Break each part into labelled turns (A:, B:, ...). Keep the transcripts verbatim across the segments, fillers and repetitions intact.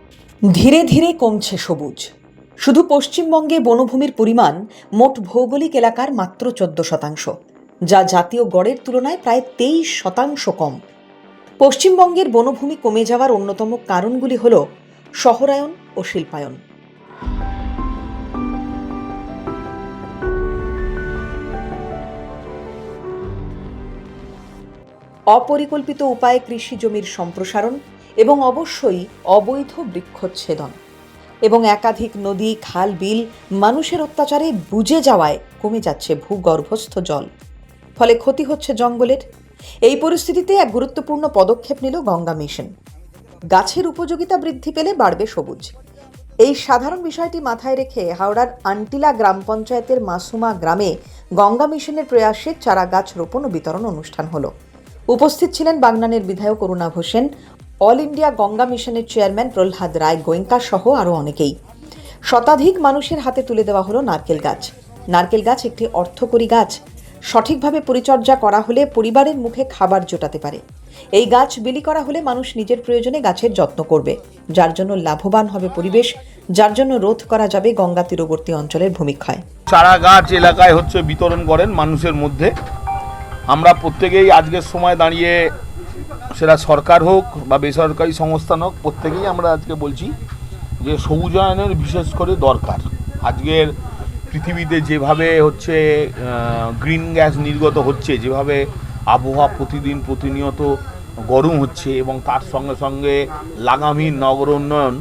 A: ধীরে ধীরে কমছে সবুজ। শুধু পশ্চিমবঙ্গে বনভূমির পরিমাণ মোট ভৌগোলিক এলাকার মাত্র চোদ্দ শতাংশ, যা জাতীয় গড়ের তুলনায় প্রায় তেইশ শতাংশ কম। পশ্চিমবঙ্গের বনভূমি কমে যাওয়ার অন্যতম কারণগুলি হল শহরায়ন ও শিল্পায়ন। অপরিকল্পিত উপায়ে কৃষি জমির সম্প্রসারণ এবং অবশ্যই অবৈধ বৃক্ষচ্ছেদন এবং একাধিক নদী, খাল, বিল মানুষের অত্যাচারে বুজে যাওয়ায় কমে যাচ্ছে ভূগর্ভস্থ জল, ফলে ক্ষতি হচ্ছে জঙ্গলের। এই পরিস্থিতিতে এক গুরুত্বপূর্ণ পদক্ষেপ নিল গঙ্গা মিশন। গাছের উপযোগিতা বৃদ্ধি পেলে বাড়বে সবুজ। এই সাধারণ বিষয়টি মাথায় রেখে হাওড়ার আন্টিলা গ্রাম পঞ্চায়েতের মাসুমা গ্রামে গঙ্গা মিশনের প্রয়াসে চারা গাছ রোপণ ও বিতরণ অনুষ্ঠান হলো। উপস্থিত ছিলেন বাগনানের বিধায়ক অরুণাভ হোসেন, অল ইন্ডিয়া গঙ্গা মিশনের চেয়ারম্যান প্রহ্লাদ রায় গোয়েঙ্কা সহ আরও অনেকেই। শতাধিক মানুষের হাতে তুলে দেওয়া হলো নারকেল গাছ। নারকেল গাছ একটি অর্থকরী গাছ। সঠিকভাবে পরিচর্যা করা হলে পরিবারের মুখে খাবার জোটাতে পারে। এই গাছ বিলি করা হলে মানুষ নিজের প্রয়োজনে গাছের যত্ন করবে, যার জন্য লাভবান হবে পরিবেশ, যার জন্য রোধ করা যাবে গঙ্গা তীরবর্তী অঞ্চলের ভূমিক্ষয়।
B: চারা গাছ এলাকায় হচ্ছে বিতরণ করেন মানুষের মধ্যে। আমরা প্রত্যেকেই আজকের সময় দাঁড়িয়ে, সেটা সরকার হোক বা বেসরকারি সংস্থান হোক, প্রত্যেকেই আমরা আজকে বলছি যে সবুজায়নের বিশেষ করে দরকার। আজকের পৃথিবীতে যেভাবে হচ্ছে গ্রিন গ্যাস নির্গত হচ্ছে, যেভাবে আবহাওয়া প্রতিদিন প্রতিনিয়ত গরম হচ্ছে এবং তার সঙ্গে সঙ্গে লাগামহীন নগর উন্নয়ন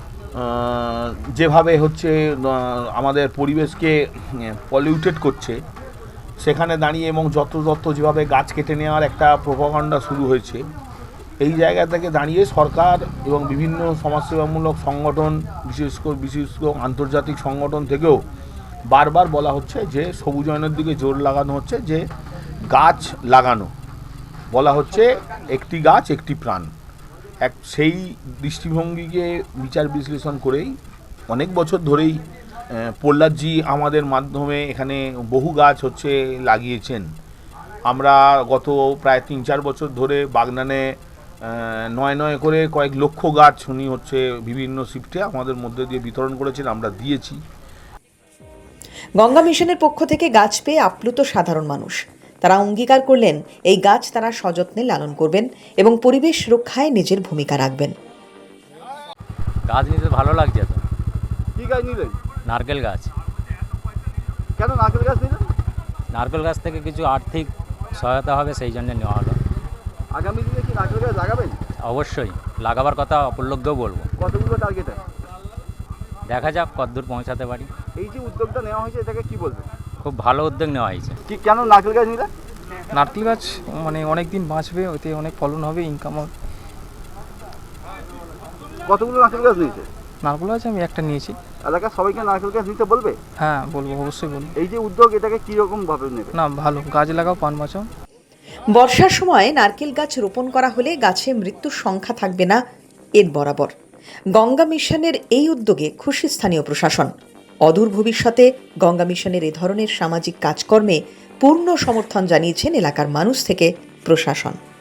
B: যেভাবে হচ্ছে আমাদের পরিবেশকে পলিউটেড করছে, সেখানে দাঁড়িয়ে এবং যত যত যেভাবে গাছ কেটে নেওয়ার একটা প্রোপাগান্ডা শুরু হয়েছে, এই জায়গা থেকে দাঁড়িয়ে সরকার এবং বিভিন্ন সমাজসেবামূলক সংগঠন, বিশেষ করে বিশেষ করে আন্তর্জাতিক সংগঠন থেকেও বারবার বলা হচ্ছে যে সবুজায়নের দিকে জোর লাগানো হচ্ছে, যে গাছ লাগানো, বলা হচ্ছে একটি গাছ একটি প্রাণ। এক সেই দৃষ্টিভঙ্গিকে বিচার বিশ্লেষণ করেই অনেক বছর ধরেই প্রহ্লাদজি আমাদের মাধ্যমে এখানে বহু গাছ হচ্ছে লাগিয়েছেন। আমরা গত প্রায় তিন চার বছর ধরে বাগনানে নয় নয় করে কয়েক লক্ষ গাছ উনি হচ্ছে বিভিন্ন শিফটে আমাদের মধ্যে দিয়ে বিতরণ করেছেন, আমরা দিয়েছি।
A: গঙ্গা মিশনের পক্ষ থেকে গাছ পেয়ে আপ্লুত সাধারণ মানুষ। তারা অঙ্গীকার করলেন এই গাছ তারা সযত্নে লালন করবেন এবং পরিবেশ রক্ষায় নিজের ভূমিকা রাখবেন।
C: গাছ নিতে ভালো লাগছে তো।
D: কি গাছ নিলেন?
C: নারকেল গাছ।
D: কেন নারকেল গাছ নিলেন?
C: নারকেল গাছ থেকে কিছু আর্থিক সহায়তা হবে, সেই জন্য নেওয়া হলো।
D: আগামী দিনে কি নারকেল গাছ লাগাবেন?
C: অবশ্যই লাগাবার কথা অপরলোককেও বলবো।
D: কতগুলো টার্গেট আছে?
C: দেখা যাক কতদূর পৌঁছাতে পারি।
D: এই যে উদ্যোগটা নেওয়া হয়েছে, এটাকে কি বলবেন?
C: খুব ভালো উদ্যোগ নেওয়া হয়েছে।
D: কি কেন নারকেল গাছ নিলেন?
E: নারকেল গাছ মানে অনেক দিন বাঁচবে, ওতে অনেক ফলন হবে, ইনকাম হবে।
D: কতগুলো নারকেল গাছ নিয়েছে?
E: নারকেল গাছ আমি একটা নিয়েছি।
D: এলাকার সবাইকে নারকেল গাছ নিতে বলবে?
E: হ্যাঁ বলবো, অবশ্যই বলবো।
D: এই যে উদ্যোগ, এটাকে কীরকম ভাবে নেবে?
E: না ভালো, গাছ লাগাও, পান বাঁচাও।
A: বর্ষার সময় নারকেল গাছ রোপণ করা হলে গাছে মৃত্যুর সংখ্যা থাকবে না এর বরাবর। গঙ্গা মিশনের এই উদ্যোগে খুশি স্থানীয় প্রশাসন। অদূর ভবিষ্যতে গঙ্গা মিশনের এ ধরনের সামাজিক কাজকর্মে পূর্ণ সমর্থন জানিয়েছেন এলাকার মানুষ থেকে প্রশাসন।